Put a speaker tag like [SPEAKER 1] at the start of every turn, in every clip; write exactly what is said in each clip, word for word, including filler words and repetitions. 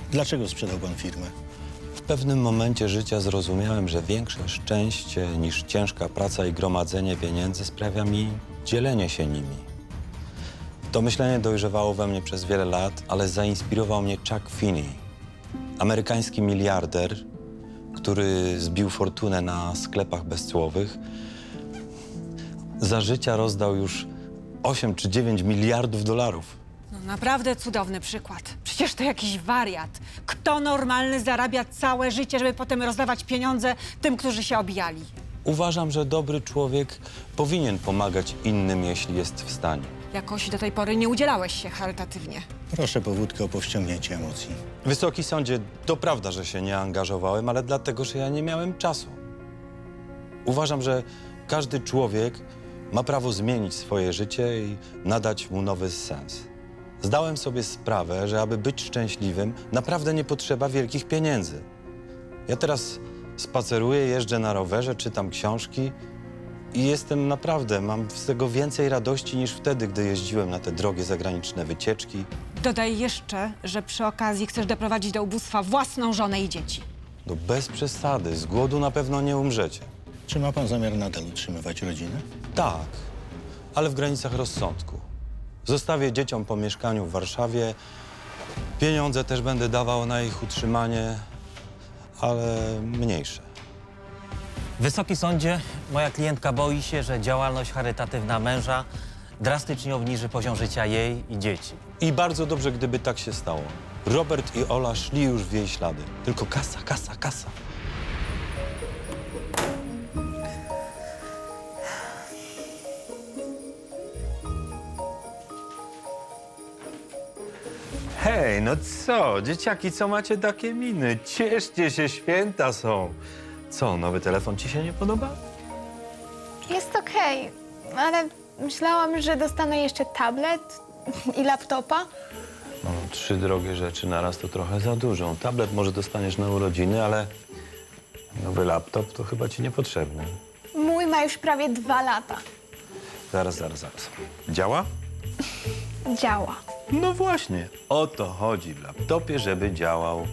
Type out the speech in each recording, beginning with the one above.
[SPEAKER 1] Dlaczego sprzedał pan firmę?
[SPEAKER 2] W pewnym momencie życia zrozumiałem, że większe szczęście niż ciężka praca i gromadzenie pieniędzy sprawia mi dzielenie się nimi. To myślenie dojrzewało we mnie przez wiele lat, ale zainspirował mnie Chuck Finney, amerykański miliarder, który zbił fortunę na sklepach bezcłowych. Za życia rozdał już osiem czy dziewięć miliardów dolarów.
[SPEAKER 3] No, naprawdę cudowny przykład. Przecież to jakiś wariat. Kto normalny zarabia całe życie, żeby potem rozdawać pieniądze tym, którzy się obijali?
[SPEAKER 2] Uważam, że dobry człowiek powinien pomagać innym, jeśli jest w stanie.
[SPEAKER 3] Jakoś do tej pory nie udzielałeś się charytatywnie.
[SPEAKER 1] Proszę powódkę o powściągnięcie emocji.
[SPEAKER 2] Wysoki sądzie, to prawda, że się nie angażowałem, ale dlatego, że ja nie miałem czasu. Uważam, że każdy człowiek ma prawo zmienić swoje życie i nadać mu nowy sens. Zdałem sobie sprawę, że aby być szczęśliwym, naprawdę nie potrzeba wielkich pieniędzy. Ja teraz spaceruję, jeżdżę na rowerze, czytam książki i jestem naprawdę, mam z tego więcej radości niż wtedy, gdy jeździłem na te drogie zagraniczne wycieczki.
[SPEAKER 3] Dodaj jeszcze, że przy okazji chcesz doprowadzić do ubóstwa własną żonę i dzieci.
[SPEAKER 2] No bez przesady, z głodu na pewno nie umrzecie.
[SPEAKER 1] Czy ma pan zamiar nadal utrzymywać rodzinę?
[SPEAKER 2] Tak, ale w granicach rozsądku. Zostawię dzieciom po mieszkaniu w Warszawie. Pieniądze też będę dawał na ich utrzymanie, ale mniejsze.
[SPEAKER 4] Wysoki sądzie, moja klientka boi się, że działalność charytatywna męża drastycznie obniży poziom życia jej i dzieci.
[SPEAKER 2] I bardzo dobrze, gdyby tak się stało. Robert i Ola szli już w jej ślady. Tylko kasa, kasa, kasa. Hej, no co? Dzieciaki, co macie takie miny? Cieszcie się, święta są. Co, nowy telefon ci się nie podoba?
[SPEAKER 5] Jest okej, ale myślałam, że dostanę jeszcze tablet i laptopa.
[SPEAKER 2] No, trzy drogie rzeczy naraz to trochę za dużo. Tablet może dostaniesz na urodziny, ale nowy laptop to chyba ci niepotrzebny.
[SPEAKER 5] Mój ma już prawie dwa lata.
[SPEAKER 2] Zaraz, zaraz, zaraz. Działa?
[SPEAKER 5] Działa.
[SPEAKER 2] No właśnie. O to chodzi w laptopie, żeby działał.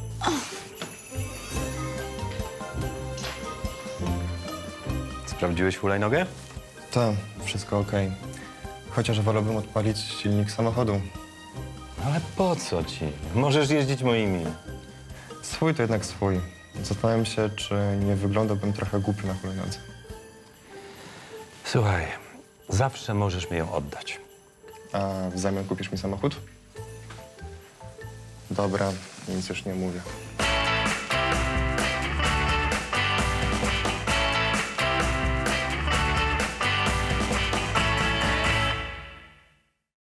[SPEAKER 2] Sprawdziłeś hulajnogę?
[SPEAKER 6] Tak, wszystko okej. Chociaż wolałbym odpalić silnik samochodu.
[SPEAKER 2] Ale po co ci? Możesz jeździć moimi.
[SPEAKER 6] Swój to jednak swój. Zastanawiam się, czy nie wyglądałbym trochę głupio na hulajnodze.
[SPEAKER 2] Słuchaj, zawsze możesz mi ją oddać.
[SPEAKER 6] A w zamian kupisz mi samochód? Dobra, nic już nie mówię.